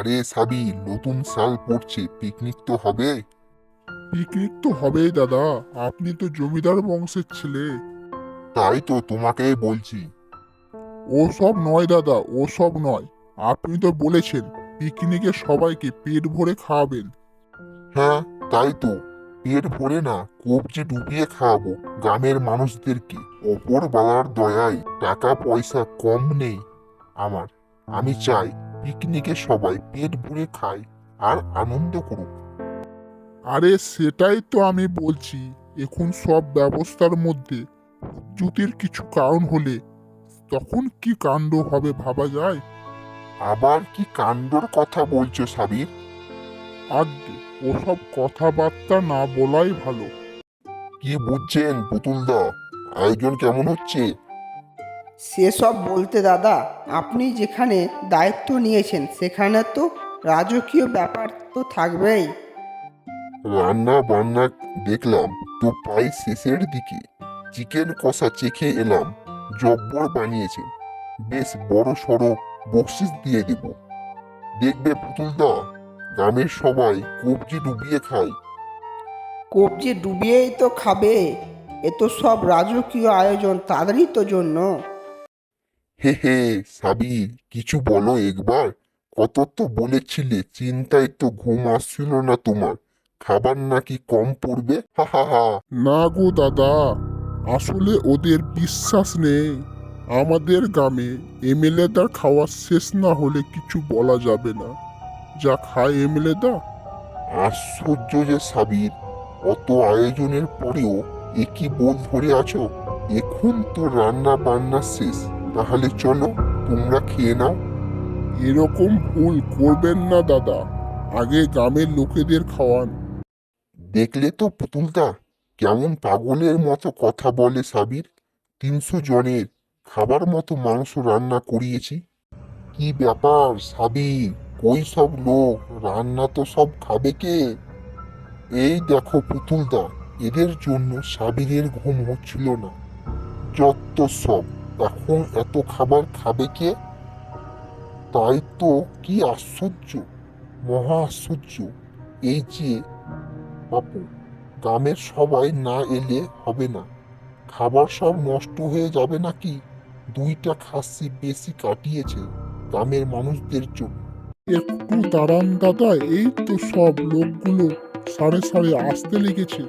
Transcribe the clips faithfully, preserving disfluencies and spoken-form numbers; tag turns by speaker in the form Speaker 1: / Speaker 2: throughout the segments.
Speaker 1: আরে সাবি, নতুন সাল পড়ছে, পিকনিক তো হবে।
Speaker 2: পিকনিক তো হবেই দাদা, আপনি তো জমিদার বংশের ছেলে।
Speaker 1: তাই তো তোমাকেই বলছি।
Speaker 2: ও সব নয় দাদা, ও সব নয়। আপনি তো বলেছেন পিকনিকে সবাইকে পেট ভরে খাওয়াবেন।
Speaker 1: হ্যাঁ, তাই তো। পেট ভরে না, কবজি ডুবিয়ে খাওয়াবো গ্রামের মানুষদেরকে। ওপরওয়ালার দয়ায় টাকা পয়সা কম নেই আমার। আমি চাই পিকনিকে সবাই পেট ভরে খায় আর আনন্দ করুক।
Speaker 2: আরে সেটাই তো আমি বলছি। এখন সব ব্যবস্থার মধ্যে চ্যুতির কিছু কারণ হলে তখন কি কাণ্ড হবে ভাবা যায়।
Speaker 1: আবার কি কাণ্ডর কথা বলছো সাবির?
Speaker 2: আগে ওসব কথাবার্তা না বলাই ভালো।
Speaker 1: কি বুঝছেন পুতুলদা? আয়োজন কেমন হচ্ছে?
Speaker 3: সেসব বলতে দাদা, আপনি যেখানে দায়িত্ব নিয়েছেন সেখানে তো রাজকীয় ব্যাপার তো থাকবেই।
Speaker 1: রান্না বান্না দেখলাম তো প্রায় শেষের দিকে। চিকেন কষা চেখে এলাম, জব্বর বানিয়েছে। বেশ বড় সড়ো বকশিস দিয়ে দেব। দেখবে পুতুলদা, গ্রামের সবাই কবজি ডুবিয়ে খায়।
Speaker 3: কবজি ডুবিয়েই তো খাবে। এ তো সব রাজকীয় আয়োজন তাদেরই তো জন্য।
Speaker 1: হে হে, সাবির কিছু বলো একবার। কত তো বলেছিলে, চিন্তায় তো ঘুম আসছিল না তোমার। খাবার নাকি কম পড়বে, হা হা হা।
Speaker 2: না গো দাদা, আসলে ওদের বিশ্বাস নেই। আমাদের গ্রামে এমএলএদার খাওয়া শেষ না হলে কিছু বলা যাবে না। যা খায় এমএলএদা।
Speaker 1: আশ্চর্য যে সাবির, অত আয়োজনের পরেও একই বোধ ধরে আছো। এখন তো রান্না বান্না শেষ, তাহলে চলো তোমরা খেয়ে নাও।
Speaker 2: এরকম ভুল করবেন না দাদা। আগে গ্রামের লোকেদের খাওয়ান।
Speaker 1: দেখলে তো পুতুলদা, কেমন পাগলের মতো কথা বলে সাবির। তিনশো জনের খাবার মতো মাংস রান্না করিয়েছি। কি ব্যাপার সাবির, কই সব লোক? রান্না তো সব খাবে কে? এই দেখো পুতুলদা, এদের জন্য সাবিরের ঘুম হচ্ছিল না। যত সব, এখন এত খাবার খাবে কে? তাই তো, কি আশ্চর্য, মহা আশ্চর্য। এই যে বাপু, গ্রামের সবাই না এলে হবে না। খাবার সব নষ্ট হয়ে যাবে নাকি? দুইটা খাসি বেশি কাটিয়েছে গ্রামের মানুষদের জন্য।
Speaker 2: একটু দাঁড়ান দাদা, এই তো সব লোকগুলো সাড়ে সাড়ে আসতে লেগেছে।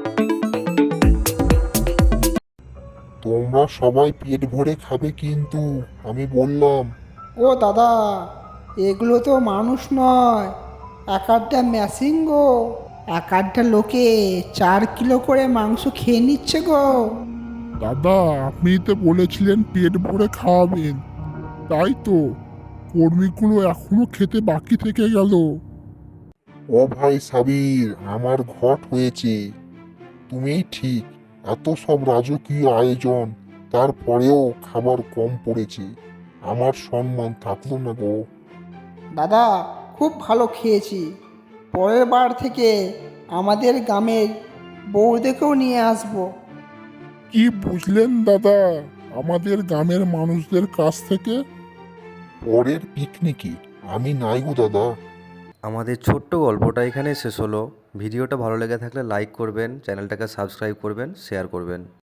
Speaker 1: তোমরা সবাই পেট ভরে খাবে কিন্তু, আমি বললাম।
Speaker 3: ও দাদা, এগুলো তো মানুষ নয়, এক আধটা মেশিন গো। এক আধটা লোকে চার কিলো করে মাংস খেয়ে নিচ্ছে গো।
Speaker 2: দাদা, আপনি তো বলেছিলেন পেট ভরে খাওয়াবেন। তাই তো, কর্মীগুলো এখনো খেতে বাকি থেকে গেল।
Speaker 1: ও ভাই সাবির, আমার ঘট হয়েছে। তুমিই ঠিক। এত সব রাজকীয় আয়োজন, তারপরেও খাবার কম পড়েছে। আমার সম্মান থাকলো না গো।
Speaker 3: দাদা, খুব ভালো খেয়েছি। পরের বার থেকে আমাদের গ্রামের বউদেরকেও নিয়ে আসবো।
Speaker 2: কি বুঝলেন দাদা আমাদের গ্রামের মানুষদের কাছ থেকে?
Speaker 1: পরের পিকনিকে আমি নাই গো দাদা।
Speaker 4: আমাদের ছোট্ট গল্পটা এখানে শেষ হলো। ভিডিওটা ভালো লেগে থাকলে লাইক করবেন, চ্যানেলটাকে সাবস্ক্রাইব করবেন, শেয়ার করবেন।